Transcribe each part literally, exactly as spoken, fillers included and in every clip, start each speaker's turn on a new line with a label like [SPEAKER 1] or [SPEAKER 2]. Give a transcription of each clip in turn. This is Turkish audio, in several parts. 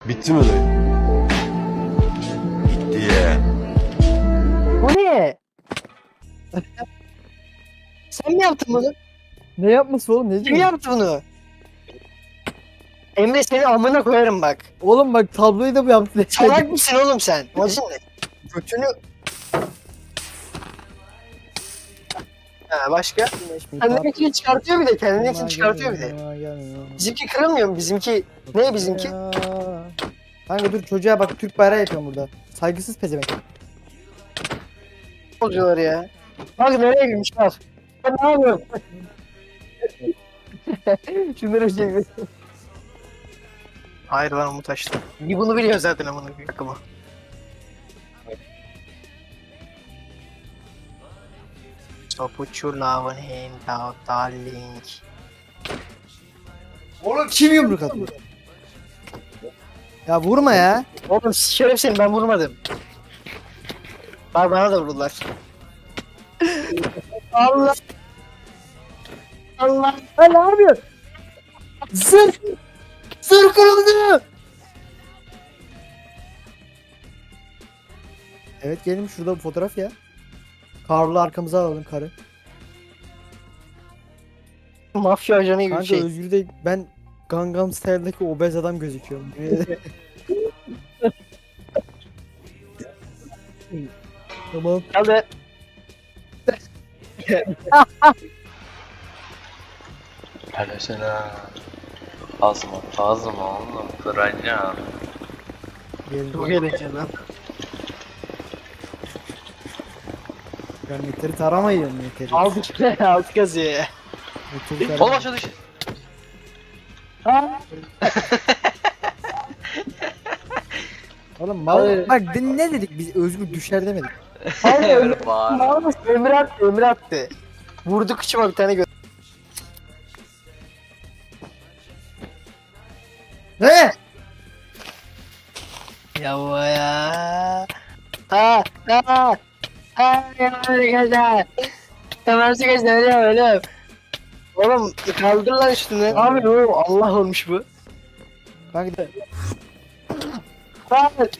[SPEAKER 1] Bitti mi dayı? Bitti ya.
[SPEAKER 2] Bu ne? Sen mi yaptın bunu?
[SPEAKER 3] Ne yapması oğlum, ne
[SPEAKER 2] Kim
[SPEAKER 3] diyorsun?
[SPEAKER 2] yaptı bunu? Emre seni amına koyarım bak.
[SPEAKER 3] Oğlum bak, tabloyu da bu yaptı.
[SPEAKER 2] Salak mısın oğlum sen? Amacın ne? Götünü... Ha başka? Kendininkini çıkartıyor bir de, kendininkini çıkartıyor bir de. Bizimki kırılmıyor mu? Bizimki... Ne bizimki?
[SPEAKER 3] Kanka dur, çocuğa bak, Türk bayrağı yapıyorum burada. Saygısız pezevenk.
[SPEAKER 2] Oluyorlar ya. Bak nereye girmiş bak. Ben ne yapıyorum? Şunları şey bir... Hayır lan Umut açtı. Bir bunu biliyor zaten amına koyayım. Aklıma. So put your love hand out darling.
[SPEAKER 3] Oğlum kim yumruk atıyor? Ya vurma ya.
[SPEAKER 2] Oğlum şeref seni, ben vurmadım. Bak bana da vurdular. Allah. Allah.
[SPEAKER 3] Ha, ne yapıyorsun? Zır! Zır kırıldı! Evet, gelin şurada bir fotoğraf ya. Karlı arkamıza alalım karı.
[SPEAKER 2] Mafya ajanı gibi bir
[SPEAKER 3] Kanka
[SPEAKER 2] şey.
[SPEAKER 3] Özgür de ben Gangnam Style'daki obez adam gözüküyorum. Tamam.
[SPEAKER 2] Hadi.
[SPEAKER 4] Paylaşana. Azma, azma oğlum, kıracağım.
[SPEAKER 3] Gelin.
[SPEAKER 2] Çok eğlenceli lan.
[SPEAKER 3] Ben meteri taramayın meteri.
[SPEAKER 2] Altı kere altı kazıyor.
[SPEAKER 3] Meteri
[SPEAKER 4] Oğlum
[SPEAKER 3] taramayın.
[SPEAKER 4] aşağı düş.
[SPEAKER 3] Oğlum mal
[SPEAKER 2] Hayır.
[SPEAKER 3] bak, din- ne dedik biz, Özgür düşer demedik.
[SPEAKER 2] Hayır Ömür,
[SPEAKER 4] Öyle bağır.
[SPEAKER 2] Ömür attı, Ömür attı. Vurdu kıçıma bir tane gö...
[SPEAKER 3] Ne?
[SPEAKER 2] Ya bu ya. Ha ha. Ha ya öyle geldi. Tamam geçti öyle öyle. Oğlum kaldır lan üstüne. Abi oğlum Allah olmuş bu.
[SPEAKER 3] Kanka
[SPEAKER 2] Hayır.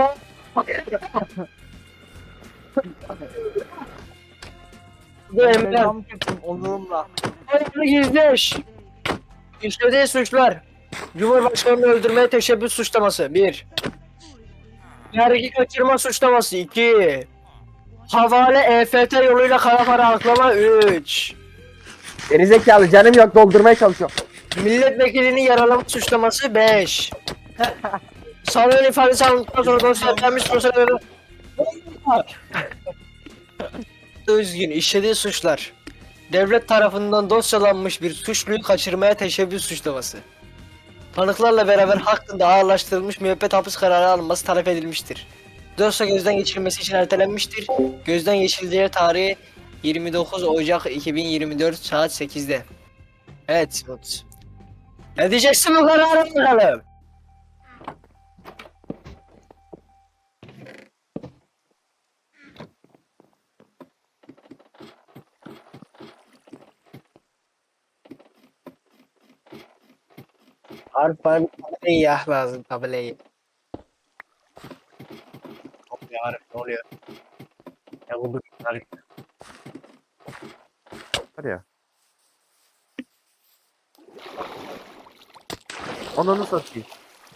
[SPEAKER 2] Bu Emre.
[SPEAKER 3] tam tuttum onurumla.
[SPEAKER 2] Emre gizleş. İşlediği suçlar. Cumhurbaşkanını öldürmeye teşebbüs suçlaması. Bir. Vergi kaçırma suçlaması. iki. Havale E F T yoluyla kara para aklama. Üç.
[SPEAKER 5] Gerizekalı canım yok, doldurmaya çalışıyorum.
[SPEAKER 2] Milletvekilini yaralama suçlaması. Beş. Sanığın ifadesi alındıktan sonra dosyalanmış sosyal Özgün işlediği suçlar. Devlet tarafından dosyalanmış bir suçluyu kaçırmaya teşebbüs suçlaması. Tanıklarla beraber hakkında ağırlaştırılmış müebbet hapis kararı alınması talep edilmiştir. Dosya gözden geçirilmesi için ertelenmiştir. Gözden geçirileceği tarihi yirmi dokuz Ocak iki bin yirmi dört saat sekizde. Evet Umut. Ne diyeceksin bu karara bakalım? Harbi bana bir tabelayı ya lazım tabelayı. Ne oluyor Arif, ne oluyor? Ya bu Arif.
[SPEAKER 5] Var ya. Ananı satayım.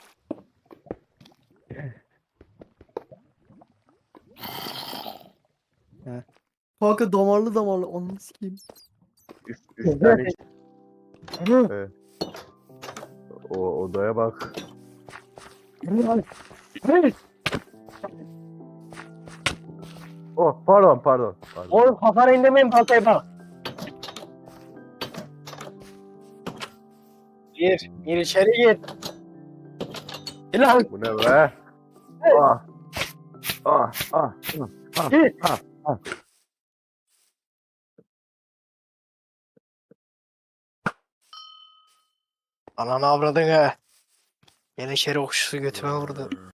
[SPEAKER 3] Kanka damarlı damarlı onu sikeyim.
[SPEAKER 5] Üç, üç tane. Evet. O odaya bak. Oh pardon pardon. pardon.
[SPEAKER 2] Oğlum kafana indirmeyin baltayı bak. Gir, gir içeri gir. Gir lan.
[SPEAKER 5] Bu ne be? Ah. Ah ah. Ah.
[SPEAKER 2] Gir.
[SPEAKER 5] Ah. Ah.
[SPEAKER 2] Ananı avradın ha. Yine içeri okşusu götüme vurdu.